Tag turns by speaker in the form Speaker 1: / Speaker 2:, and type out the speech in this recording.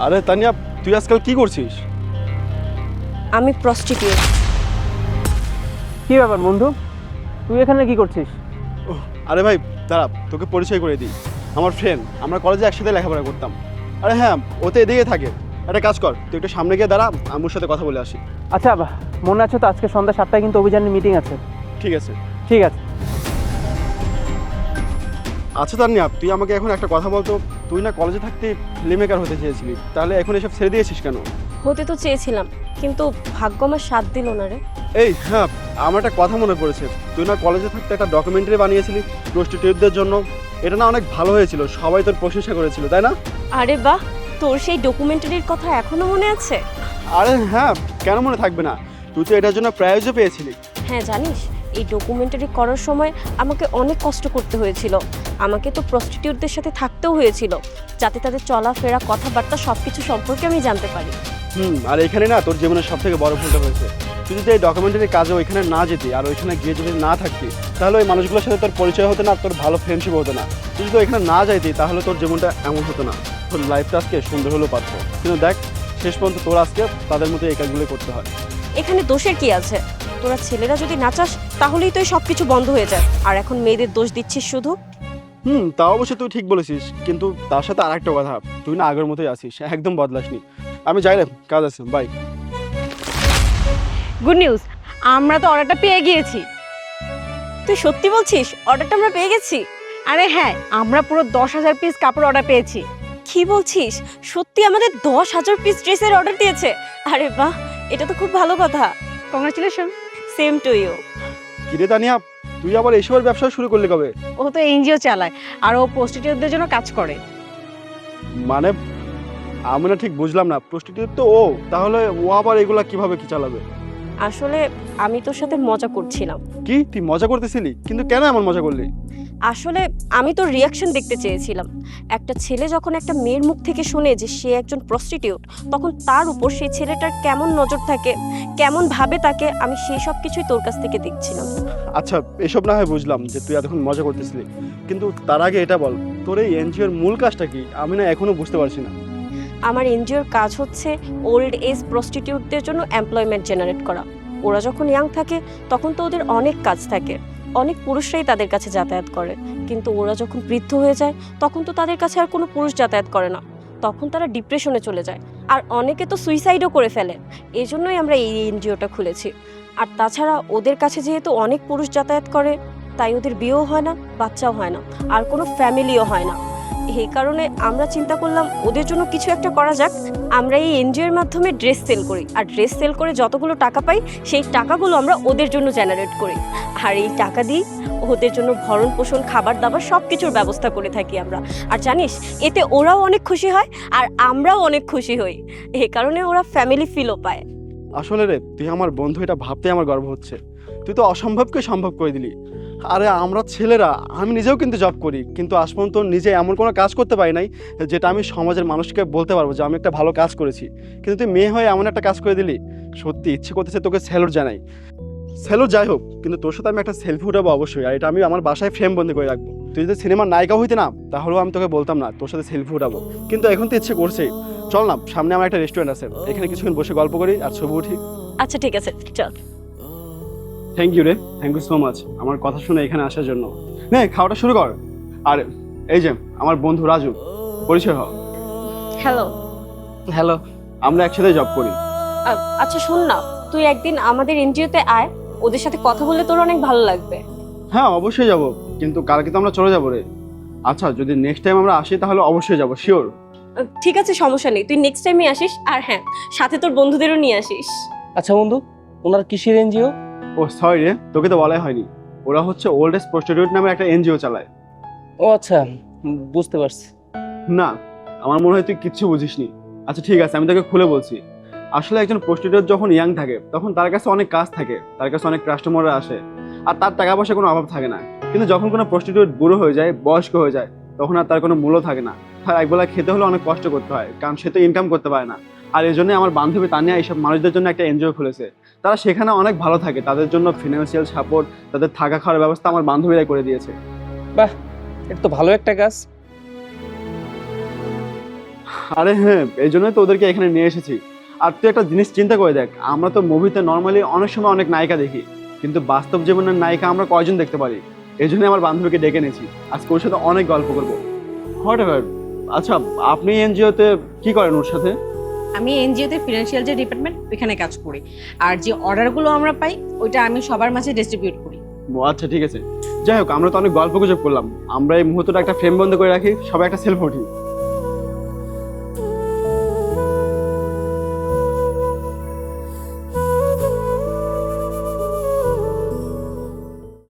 Speaker 1: আরে তানিয়া, তুই আজকাল কি করছিস?
Speaker 2: আমি প্রস্টিটিউট।
Speaker 3: কি ব্যাপার বন্ধু, তুই এখানে কি করছিস?
Speaker 1: আরে ভাই দাঁড়া, তোকে পরিচয় করে দিই। আমার ফ্রেন্ড, আমরা কলেজে একসাথে লেখাপড়া করতাম। আরে হ্যাঁ, ও তো এদিকে থাকে। একটা কাজ কর, তুই একটু সামনে গিয়ে দাঁড়া, আমি ওর সাথে কথা বলে আসি।
Speaker 3: আচ্ছা মনে আছে তো আজকে সন্ধ্যা 7টায় কিন্তু অভিযানের মিটিং আছে?
Speaker 1: ঠিক আছে।
Speaker 3: ঠিক আছে।
Speaker 1: আচ্ছা তানিয়া, তুই আমাকে এখন একটা কথা বলতো, তুই না কলেজে থাকতে ফিল্ম মেকার হতে চেয়েছিলি, তাহলে এখন এসব ছেড়ে দিয়েছিস কেন?
Speaker 2: হতে তো চেয়েছিলাম, কিন্তু ভাগ্য আমার সাথ দিল না রে।
Speaker 1: এই হ্যাঁ, আমার একটা কথা মনে পড়েছে। তুই না কলেজে থাকতে একটা ডকুমেন্টারি বানিয়েছিলি প্রস্টিটিউটদের জন্য। এটা না অনেক ভালো হয়েছিল, সবাই তোর প্রশংসা করেছিল, তাই না?
Speaker 2: আরে বাহ, তোর সেই ডকুমেন্টারির কথা এখনো মনে আছে?
Speaker 1: আরে হ্যাঁ, কেন মনে থাকবে না? তুই তো এটার জন্য প্রাইজও পেয়েছিলি।
Speaker 2: হ্যাঁ জানিস, এই ডকুমেন্টারি করার সময় আমাকে অনেক কষ্ট করতে হয়েছিল। আমাকে তো প্রস্টিটিউটদের সাথে থাকতেও হয়েছিল, যাতে তাদের চলাফেরা, কথাবার্তা সব কিছু সম্পর্কে আমি জানতে পারি।
Speaker 1: আর এখানে না তোর জীবনের সব থেকে বড় ভুলটা হয়েছে। তুই যদি এই ডকুমেন্টারি কাজে ওইখানে না যেতি আর ওইখানে গিয়ে যদি না থাকতি, তাহলে ওই মানুষগুলোর সাথে তোর পরিচয় হতো না, তোর ভালো ফ্রেন্ডশিপ হতো না। তুই যদি ওইখানে না যাইতি তাহলে তোর জীবনটা এমন হতো না, তোর লাইফটা আজকে সুন্দর হলেও পারতো। কিন্তু দেখ, শেষ পর্যন্ত তোর আজকে তাদের মতো এই কাজগুলো করতে হয়।
Speaker 2: এখানে দোষের কি আছে? তোরা ছেলেরা যদি না চাস তাহলেই তো এই সব কিছু বন্ধ হয়ে যায়, আর এখন মেয়েদের দোষ দিচ্ছিস শুধু।
Speaker 1: তা অবশ্যই তুই ঠিক বলেছিস, কিন্তু তার সাথে আরেকটা কথা, তুই না আগের মতোই আছিস, একদম বদলাসনি। আমি যাই রে, কাজ আছে, বাই।
Speaker 4: গুড নিউজ, আমরা তো অর্ডারটা পেয়ে গিয়েছি।
Speaker 2: তুই সত্যি বলছিস অর্ডারটা আমরা পেয়ে গেছি?
Speaker 4: আরে হ্যাঁ, আমরা পুরো 10,000 পিস কাপড় অর্ডার পেয়েছি।
Speaker 2: কি বলছিস? সত্যি আমাদের 10,000 পিস ড্রেসের অর্ডার দিয়েছে? আরে বাহ, এটা তো খুব ভালো কথা।
Speaker 4: কংগ্রাচুলেশন।
Speaker 2: Same to you.
Speaker 1: কিরে তানিয়া, তুই আবার এইসবের ব্যবসা শুরু করলি কবে?
Speaker 4: ও তো এনজিও চালায়, আর ও প্রস্টিটিউটদের জন্য কাজ করে।
Speaker 1: মানে আমি না ঠিক বুঝলাম না, প্রস্টিটিউট তো ও, তাহলে ও আবার এগুলা কিভাবে কি চালাবে?
Speaker 2: আসলে আমি তোর সাথে মজা করছিলাম।
Speaker 1: কি তুই মজা করতেছিলি? কিন্তু কেন এমন মজা করলি?
Speaker 2: আসলে আমি তোর রিয়াকশন দেখতে চেয়েছিলাম। একটা ছেলে যখন একটা মেয়ের মুখ থেকে শুনে যে সে একজন প্রস্টিটিউট, তখন তার উপর সেই ছেলেটার কেমন নজর থাকে, কেমন ভাবে তাকে, আমি সেই সব কিছুই তোর কাছ থেকে দেখছিলাম।
Speaker 1: আচ্ছা, এসব না হয় বুঝলাম যে তুই এতক্ষণ মজা করতেছিলি, কিন্তু তার আগে এটা বল, তোর এই এনজিওর মূল কাজটা কি? আমি না এখনো বুঝতে পারছি না।
Speaker 2: আমার এনজিওর কাজ হচ্ছে ওল্ড এজ প্রস্টিটিউটদের জন্য এমপ্লয়মেন্ট জেনারেট করা। ওরা যখন ইয়াং থাকে তখন তো ওদের অনেক কাজ থাকে, অনেক পুরুষরাই তাদের কাছে যাতায়াত করে। কিন্তু ওরা যখন বৃদ্ধ হয়ে যায় তখন তো তাদের কাছে আর কোনো পুরুষ যাতায়াত করে না, তখন তারা ডিপ্রেশনে চলে যায়, আর অনেকে তো সুইসাইডও করে ফেলে। এই জন্যই আমরা এই এনজিওটা খুলেছি। আর তাছাড়া ওদের কাছে যেহেতু অনেক পুরুষ যাতায়াত করে, তাই ওদের বিয়েও হয় না, বাচ্চাও হয় না, আর কোনো ফ্যামিলিও হয় না। এই কারণে আমরা চিন্তা করলাম ওদের জন্য কিছু একটা করা যাক। আমরা এই এনজিওর মাধ্যমে ড্রেস সেল করি, আর ড্রেস সেল করে যতগুলো টাকা পাই সেই টাকাগুলো আমরা ওদের জন্য জেনারেট করি, আর এই টাকা দিয়ে ওদের জন্য ভরণ পোষণ, খাবার দাবার সব কিছুর ব্যবস্থা করে থাকি আমরা। আর জানিস, এতে ওরাও অনেক খুশি হয় আর আমরাও অনেক খুশি হই। এই কারণে ওরা ফ্যামিলি ফিলও পায়।
Speaker 1: আসলে রে, তুই আমার বন্ধু, এটা ভাবতে আমার গর্ব হচ্ছে। তুই তো অসম্ভবকে সম্ভব করে দিলি। আরে আমরা ছেলেরা, আমি নিজেও কিন্তু জব করি, কিন্তু আজ পর্যন্ত নিজে এমন কোনো কাজ করতে পারি নাই যেটা আমি সমাজের মানুষকে বলতে পারবো যে আমি একটা ভালো কাজ করেছি। কিন্তু তুই মেয়ে হয়ে এমন একটা কাজ করে দিলি, সত্যি ইচ্ছে করতেছে তোকে স্যালুট জানাই। স্যালুট যাই হোক, কিন্তু তোর সাথে আমি একটা সেলফি উঠাবো অবশ্যই, আর এটা আমি আমার বাসায় ফ্রেম বন্দি করে রাখবো। তুই যদি সিনেমার নায়িকা হইতে না, তাহলেও আমি তোকে বলতাম না তোর সাথে সেলফি উঠাবো। কিন্তু এখন তো ইচ্ছে করছেই। চল না, সামনে আমার একটা রেস্টুরেন্ট আছে, এখানে কিছুক্ষণ বসে গল্প করি আর ছবি উঠি।
Speaker 2: আচ্ছা ঠিক আছে, চল।
Speaker 1: থ্যাংক ইউ রে, থ্যাংক ইউ সো মাচ আমার কথা শুনে এখানে আসার জন্য। নে, খাওয়াটা শুরু কর। আর এই যে আমার বন্ধু রাজু, পরিচয় হ।
Speaker 2: হ্যালো।
Speaker 3: হ্যালো।
Speaker 1: আমরা একসাথে জব করি।
Speaker 2: আচ্ছা শোন না, তুই একদিন আমাদের এনজিওতে আয়, ওদের সাথে কথা বললে তোর অনেক ভালো লাগবে।
Speaker 1: হ্যাঁ অবশ্যই যাব, কিন্তু কালকে তো আমরা চলে যাবো রে। আচ্ছা, যদি নেক্সট টাইম আমরা আসি তাহলে অবশ্যই যাব, শিওর।
Speaker 2: ঠিক আছে, সমস্যা নেই, তুই নেক্সট টাইমে আসিস, আর হ্যাঁ, সাথে তোর বন্ধুদেরও নিয়ে আসিস।
Speaker 3: আচ্ছা বন্ধু, ওনার কিসের এনজিও?
Speaker 1: ও সরি রে, তোকে তো বলাই হয়নি। ওরা হচ্ছে ওল্ড এজ প্রস্টিটিউট নামে একটা এনজিও চালায়।
Speaker 3: ও আচ্ছা, বুঝতে পারছি।
Speaker 1: না, আমার মনে হয় তুই কিচ্ছু বুঝিসনি। আচ্ছা ঠিক আছে, আমি তোকে খুলে বলছি। আসলে একজন প্রস্টিটিউট যখন ইয়াং থাকে তখন তার কাছে অনেক কাজ থাকে, তার কাছে অনেক কাস্টমাররা আসে, আর তার টাকা পয়সা কোনো অভাব থাকে না। কিন্তু যখন কোনো প্রস্টিটিউট বুড়ো হয়ে যায়, বয়স্ক হয়ে যায়, তখন আর তার কোনো মূল্য থাকে না। তার একবেলা খেতে হলে অনেক কষ্ট করতে হয়, কারণ সে তো ইনকাম করতে পারে না। আর এই জন্যই আমার বান্ধবী তানিয়া এইসব মানুষদের জন্য একটা এনজিও খুলেছে। তারা সেখানে অনেক ভালো থাকে, তাদের জন্য ফিনান্সিয়াল সাপোর্ট, তাদের থাকা খাওয়ার ব্যবস্থা আমার বান্ধবীরাই করে দিয়েছে।
Speaker 3: বাহ, এটা তো ভালো একটা কাজ।
Speaker 1: আরে হ্যাঁ, এই জন্যই তো ওদেরকে এখানে নিয়ে এসেছি। আর তুই একটা জিনিস চিন্তা করে দেখ, আমরা তো মুভিতে নর্মালি অনেক সময় অনেক নায়িকা দেখি, কিন্তু বাস্তব জীবনের নায়িকা আমরা কয়জন দেখতে পারি। এই জন্যই আমার বান্ধবীকে ডেকে নিয়েছি, আজকে ওর সাথে অনেক গল্প করবো। Whatever. আচ্ছা, আপনি এনজিওতে কি করেন ওর সাথে?
Speaker 4: আমি এনজিওতে ফিনান্সিয়াল যে ডিপার্টমেন্ট ওইখানে কাজ করি। আর যে অর্ডারগুলো আমরা পাই ওইটা আমি সবার মাঝে ডিস্ট্রিবিউট করি।
Speaker 1: ও আচ্ছা, ঠিক আছে। যাই হোক, আমরা তো অনেক গল্প গুজব করলাম, আমরা এই মুহূর্তটা একটা ফ্রেম বন্ধ করে রাখি, সবাই একটা সেলফি উঠি।